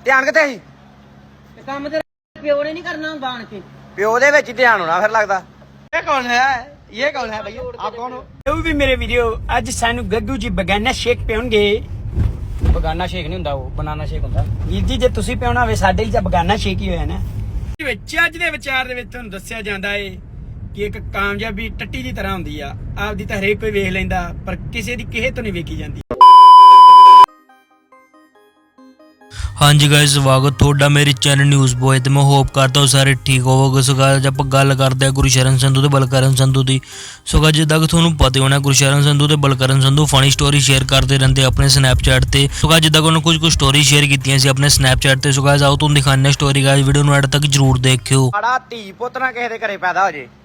ਧਿਆਨ ਕਿੱਥੇ ਸੀ? ਕੰਮ ਤੇ ਪਿਓ ਨੇ ਨਹੀਂ ਕਰਨਾ ਬਾਣ ਕੇ ਪਿਓ ਦੇ ਵਿੱਚ ਹੀ ਧਿਆਨ ਹੋਣਾ ਫਿਰ ਲੱਗਦਾ। ਇਹ ਕੌਣ ਹੈ? ਇਹ ਕੌਣ ਹੈ ਭਈਆ? ਆਪ ਕੌਣ ਹੋ? ਉਹ ਵੀ ਮੇਰੇ ਵੀਡੀਓ ਅੱਜ ਸਾਨੂੰ ਗੱਗੂ ਜੀ ਬਗਾਨਾ ਸ਼ੇਕ ਪਿਉਣਗੇ। ਬਗਾਨਾ ਸ਼ੇਕ ਨਹੀਂ ਹੁੰਦਾ, ਉਹ ਬਨਾਨਾ ਸ਼ੇਕ ਹੁੰਦਾ। ਵੀਰ ਜੀ ਜੇ ਤੁਸੀਂ ਪਿਉਣਾ ਹੋਵੇ ਸਾਡੇ ਲਈ ਤਾਂ ਬਗਾਨਾ ਸ਼ੇਕ ਹੀ ਹੋਇਆ ਨਾ। ਵਿੱਚ ਅੱਜ ਦੇ ਵਿਚਾਰ ਦੇ ਵਿੱਚ ਤੁਹਾਨੂੰ ਦੱਸਿਆ ਜਾਂਦਾ ਏ ਕਿ ਇੱਕ ਕਾਮਯਾਬੀ ਟੱਟੀ ਦੀ ਤਰ੍ਹਾਂ ਹੁੰਦੀ ਆ। ਆਪਦੀ ਤਾਂ ਹਰੇਕ ਕੋਈ ਵੇਖ ਲੈਂਦਾ ਪਰ ਕਿਸੇ ਦੀ ਕਿਸੇ ਤੋਂ ਨਹੀਂ ਵੇਖੀ ਜਾਂਦੀ। ਹਾਂਜੀ ਗਾਇਸ, ਸਵਾਗਤ ਤੁਹਾਡਾ ਮੇਰੇ ਚੈਨਲ ਨਿਊਜ਼ ਬॉय ਤੇ ਮੈਂ ਹੋਪ ਕਰਦਾ ਹਾਂ ਸਾਰੇ ਠੀਕ ਹੋਵੋਗੇ। ਸੋ ਗਾਇਸ ਆਪਾਂ ਗੱਲ ਕਰਦੇ ਹਾਂ ਗੁਰਸ਼ਰਨ ਸੰਧੂ ਤੇ ਬਲਕਰਨ ਸੰਧੂ ਦੀ। ਸੋ ਗਾਇਸ ਜਿੱਦਾਂ ਕਿ ਤੁਹਾਨੂੰ ਪਤਾ ਹੋਣਾ ਗੁਰਸ਼ਰਨ ਸੰਧੂ ਤੇ Balkaran Sandhu funny story share ਕਰਦੇ ਰਹਿੰਦੇ ਆਪਣੇ ਸਨੈਪਚੈਟ ਤੇ। ਸੋ ਗਾਇਸ ਜਿੱਦਾਂ ਕਿ ਉਹਨਾਂ ਕੁਝ ਸਟੋਰੀ ਸ਼ੇਅਰ ਕੀਤੀਆਂ ਸੀ ਆਪਣੇ ਸਨੈਪਚੈਟ ਤੇ। ਸੋ ਗਾਇਸ ਆਓ ਤੁਹਾਨੂੰ ਦਿਖਾਉਂਦੇ ਹਾਂ ਸਟੋਰੀ। ਗਾਇਸ ਵੀਡੀਓ ਨੂੰ ਐਡ ਤੱਕ ਜਰੂਰ ਦੇਖਿਓ। ਸਾਡਾ ਧੀ ਪੁੱਤ ਨਾ ਕਿਸੇ ਦੇ ਘਰੇ ਪੈਦਾ ਹੋ ਜੇ।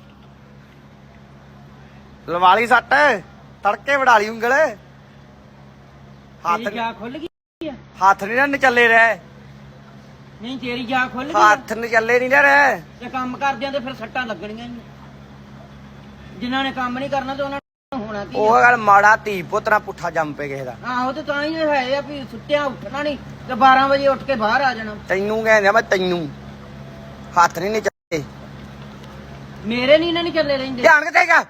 ਲਵਾਲੀ ਸੱਟ ਤੜਕੇ ਵੜਾ ਲਈ ਉਂਗਲ। ਤੇਰੀ ਜਾ ਖੁੱਲ ਗਈ ਹੱਥ ਨਹੀਂ ਨਾ ਨਚੱਲੇ ਰਹਿ। ਨਹੀਂ ਤੇਰੀ ਜਾ ਖੁੱਲ ਗਈ ਹੱਥ ਨਚੱਲੇ ਨਹੀਂ ਨਾ ਰਹਿ। ਜੇ ਕੰਮ ਕਰਦਿਆਂ ਤੇ ਫਿਰ ਸੱਟਾਂ ਲੱਗਣੀਆਂ ਹੀ। ਜਿਨ੍ਹਾਂ ਨੇ ਕੰਮ ਨਹੀਂ ਕਰਨਾ ਤੇ ਉਹਨਾਂ ਨੂੰ ਹੋਣਾ ਕੀ? ਉਹ ਗੱਲ ਮਾੜਾ ਧੀ ਪੁੱਤ ਨਾ ਪੁੱਠਾ ਜੰਮ ਪਏ ਕਿਸੇ ਦਾ। ਆਹੋ ਤੇ ਤਾਂ ਹੀ ਹੈ ਆ ਵੀ ਸੁੱਤਿਆਂ ਉੱਠਣਾ ਨਹੀਂ ਤੇ 12 ਵਜੇ ਉੱਠ ਕੇ ਬਾਹਰ ਆ ਜਾਣਾ। ਤੈਨੂੰ ਕਹਿੰਦੇ ਮੈਂ ਤੈਨੂੰ ਹੱਥ ਨਹੀਂ ਨਚੱਲੇ। ਮੇਰੇ ਨਹੀਂ ਚੱਲੇ ਰਹਿੰਦੇ। ਧਿਆਨ ਕਿੱਥੇ ਹੈਗਾ?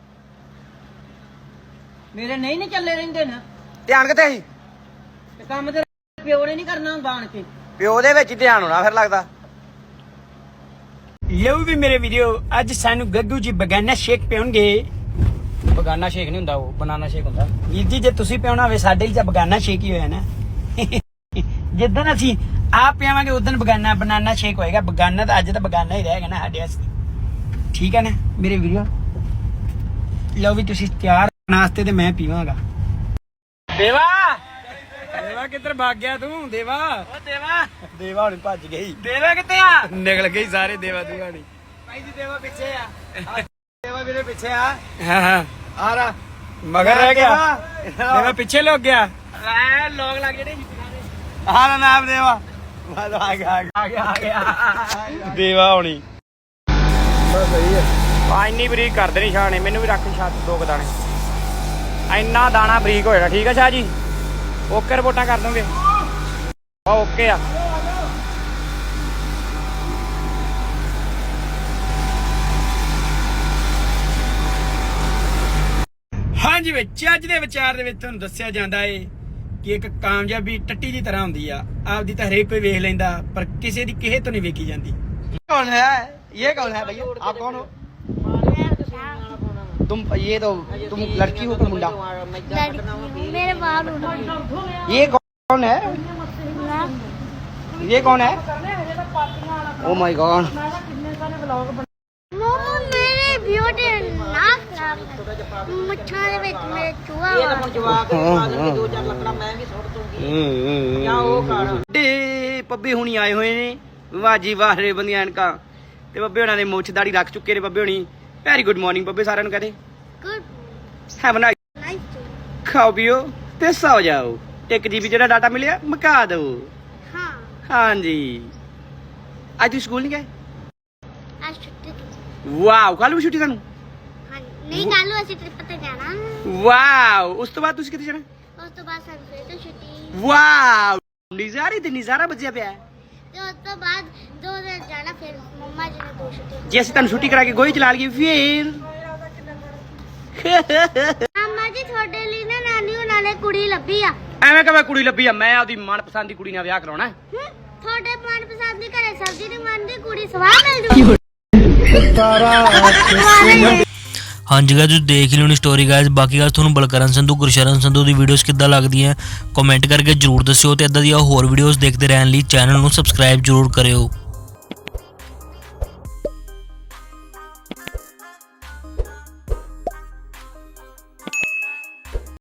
ਮੇਰੇ ਨਹੀਂ ਚੱਲੇ ਰਹਿੰਦੇ ਨਾ। ਧਿਆਨ ਕਿੱਥੇ ਸੀ? ਤੇ ਕੰਮ ਤੇ ਪਿਓ ਨੇ ਨਹੀਂ ਕਰਨਾ ਬਾਣ ਕੇ ਪਿਓ ਦੇ ਵਿੱਚ ਹੀ ਧਿਆਨ ਹੋਣਾ ਫਿਰ ਲੱਗਦਾ। ਲਓ ਵੀ ਮੇਰੇ ਵੀਡੀਓ ਅੱਜ ਸਾਨੂੰ ਗੱਗੂ ਜੀ ਬਗਾਨਾ ਸ਼ੇਕ ਪਿਉਣਗੇ। ਬਗਾਨਾ ਸ਼ੇਕ ਨਹੀਂ ਹੁੰਦਾ, ਉਹ ਬਨਾਨਾ ਸ਼ੇਕ ਹੁੰਦਾ। ਵੀਰ ਜੀ ਜੇ ਤੁਸੀਂ ਪਿਉਣਾ ਹੋਵੇ ਸਾਡੇ ਲਈ ਤਾਂ ਬਗਾਨਾ ਸ਼ੇਕ ਹੀ ਹੋਇਆ ਨਾ। ਜਿੱਦਣ ਅਸੀਂ ਆਪ ਪਿਆਵਾਂਗੇ ਉਦੋਂ ਬਗਾਨਾ ਬਨਾਨਾ ਸ਼ੇਕ ਹੋਏਗਾ। ਬਗਾਨਾ ਤਾਂ ਅੱਜ ਤਾਂ ਬਗਾਨਾ ਹੀ ਰਹੇਗਾ ਨਾ ਸਾਡੇ ਵਾਸਤੇ। ਠੀਕ ਹੈ ਨਾ ਮੇਰੇ ਵੀਡੀਓ? ਲਓ ਵੀ ਤੁਸੀਂ ਤਿਆਰ ਨਾਸਤੇ ਤੇ ਮੈਂ ਪੀਵਾਂਗਾ। ਦੇਵਾ ਦੇਵਾ ਕਿੱਧਰ ਭੱਗ ਗਿਆ ਤੂੰ? ਦੇਵਾ ਓ ਦੇਵਾ ਹੁਣ ਭੱਜ ਗਈ। ਦੇਵਾ ਕਿੱਥੇ ਆ? ਨਿਕਲ ਗਈ ਸਾਰੇ ਦੇਵਾ ਦੁਆਣੀ। ਭਾਈ ਜੀ ਦੇਵਾ ਪਿੱਛੇ ਆ। ਦੇਵਾ ਵੀਰੇ ਪਿੱਛੇ ਆ। ਹਾਂ ਹਾਂ ਆ ਰਾ ਮਗਰ ਰਹਿ ਗਿਆ। ਦੇਵਾ ਪਿੱਛੇ ਲੁਕ ਗਿਆ। ਐ ਲੋਕ ਲੱਗ ਜਿਹੜੇ ਆਹ ਨਾਮ ਦੇਵਾ। ਆ ਗਿਆ ਦੇਵਾ ਹੋਣੀ। ਸਹੀ ਹੈ। ਆ ਇੰਨੀ ਬਰੀਕ ਕਰ ਦੇਣੀ ਸ਼ਾਹ ਨੇ। ਮੈਨੂੰ ਵੀ ਰੱਖ ਛੱਤ ਦੋ ਦਾਣੇ। ਇੰਨਾ ਦਾਣਾ ਬਰੀਕ ਹੋ ਜਾਣਾ। ਠੀਕ ਆ ਸ਼ਾਹ ਜੀ? ਓਕੇ ਰਿਪੋਰਟਾਂ ਕਰ ਦੋਗੇ? ਓਕੇ ਆ। ਹਾਂਜੀ ਵਿੱਚ ਅੱਜ ਦੇ ਵਿਚਾਰ ਦੇ ਵਿੱਚ ਤੁਹਾਨੂੰ ਦੱਸਿਆ ਜਾਂਦਾ ਏ ਕਿ ਇੱਕ ਕਾਮਯਾਬੀ ਟੱਟੀ ਦੀ ਤਰ੍ਹਾਂ ਹੁੰਦੀ ਆ। ਆਪਦੀ ਤਾਂ ਹਰੇਕ ਕੋਈ ਵੇਖ ਲੈਂਦਾ ਪਰ ਕਿਸੇ ਦੀ ਕਿਸੇ ਤੋਂ ਨਹੀਂ ਵੇਖੀ ਜਾਂਦੀ। कौन है? ये कौन है भैया? आप कौन हो? तुम ये तो तुम लड़की हो कि मुंडा? मेरे बाल ये कौन है? ये कौन है? Oh my god. मेरे ब्यूटी नाक खराब मुच्छां दे विच मेरे चूहा ਇਹ ਤਾਂ ਹੁਣ ਜਵਾਕ ਪਾ ਦੇਣਗੇ 2-4 ਲੱਕੜਾਂ ਮੈਂ ਵੀ ਸੁੱਟ ਦੂੰਗੀ ਜਾਂ ਉਹ ਕਰ। ਡੇ ਪੱਬੇ ਹੁਣੀ ਆਏ ਹੋਏ ਨੇ। ਵਾਹ ਜੀ ਵਾਹ ਰੇ ਬੰਦੀਆਂ ਐਨਕਾਂ ਤੇ ਬੱਬੇ ਹੋਣਾ ਦੇ ਮੁੱਛ ਦਾੜੀ ਰੱਖ ਚੁੱਕੇ ਨੇ। ਬੱਬੇ ਹੋਣੀ ਵੈਰੀ ਗੁੱਡ ਮਾਰਨਿੰਗ ਬੱਬੇ ਸਾਰਿਆਂ ਨੂੰ ਕਹਦੇ। गुड ਹੈਵ ਅ नाइस ਖਾਓ ਪੀਓ ਤੇ ਸੌ ਜਾਓ। 1 GB ਜਿਹੜਾ ਡਾਟਾ ਮਿਲਿਆ ਮੁਕਾ ਦਿਓ। हाँ ਹਾਂਜੀ ਅੱਜ ਤੁਸੀਂ ਸਕੂਲ ਨਹੀਂ ਗਏ? आज छुट्टी ਵਾਓ ਕੱਲ ਵੀ ਛੁੱਟੀ ਤੁਹਾਨੂੰ? हाँ नहीं कल ਅਸੀਂ ट्रिप ਤੇ ਜਾਣਾ। ਵਾਓ ਉਸ ਤੋਂ ਬਾਅਦ ਤੁਸੀਂ ਕਿੱਥੇ ਜਾਣਾ? ਉਸ ਤੋਂ ਬਾਅਦ ਸਾਨੂੰ ਫਿਰ ਤੋਂ ਛੁੱਟੀ ਵਾਓ ਨਜ਼ਾਰੇ ਤੇ ਨਜ਼ਾਰਾ ਵੱਜਿਆ ਪਿਆ। ਤੇ ਉਸ ਤੋਂ ਬਾਅਦ 2 ਦਿਨ ਜਾਣਾ ਫਿਰ ਮੰਮਾ ਜੀ ਨੇ 2 ਛੁੱਟੀ। ਜੇ ਅਸੀਂ ਤੁਹਾਨੂੰ ਛੁੱਟੀ ਕਰਾ ਕੇ ਗੋਹੇ ਚਲਾ ਲਈਏ ਫਿਰ? ਮੰਮਾ ਜੀ ਤੁਹਾਡੇ ਲਈ ਨਾ ਨਾਨੀ ਉਹਨਾਂ ਨੇ ਕੁੜੀ ਲੱਭੀ ਆ। ਐਵੇਂ ਕਿਵੇਂ ਕੁੜੀ ਲੱਭੀ ਆ? ਮੈਂ ਆਪਦੀ ਮਨਪਸੰਦ ਦੀ ਕੁੜੀ ਨਾਲ ਵਿਆਹ ਕਰਾਉਣਾ। ਤੁਹਾਡੇ ਮਨਪਸੰਦ ਦੀ ਘਰੇ ਸਬਜ਼ੀ ਨਹੀਂ ਬਣਦੀ ਕੁੜੀ ਸਵਾਹ ਮਿਲ ਜੂ। ਹਾਂਜੀ ਗਾਇਸ ਤੁਸੀਂ ਦੇਖ ਲਿਓ ਨੀ ਸਟੋਰੀ ਗਾਇਸ। ਬਾਕੀ ਗੱਲ ਤੁਹਾਨੂੰ ਬਲਕਰਨ ਸੰਧੂ ਗੁਰਸ਼ਰਨ ਸੰਧੂ ਦੀ ਵੀਡੀਓਜ਼ ਕਿੱਦਾਂ ਲੱਗਦੀਆਂ ਕਮੈਂਟ ਕਰਕੇ ਜਰੂਰ ਦੱਸਿਓ ਤੇ ਇਦਾਂ ਦੀਆਂ ਹੋਰ ਵੀਡੀਓਜ਼ ਦੇਖਦੇ ਰਹਿਣ ਲਈ ਚੈਨਲ ਨੂੰ ਸਬਸਕ੍ਰਾਈਬ ਜਰੂਰ ਕਰਿਓ।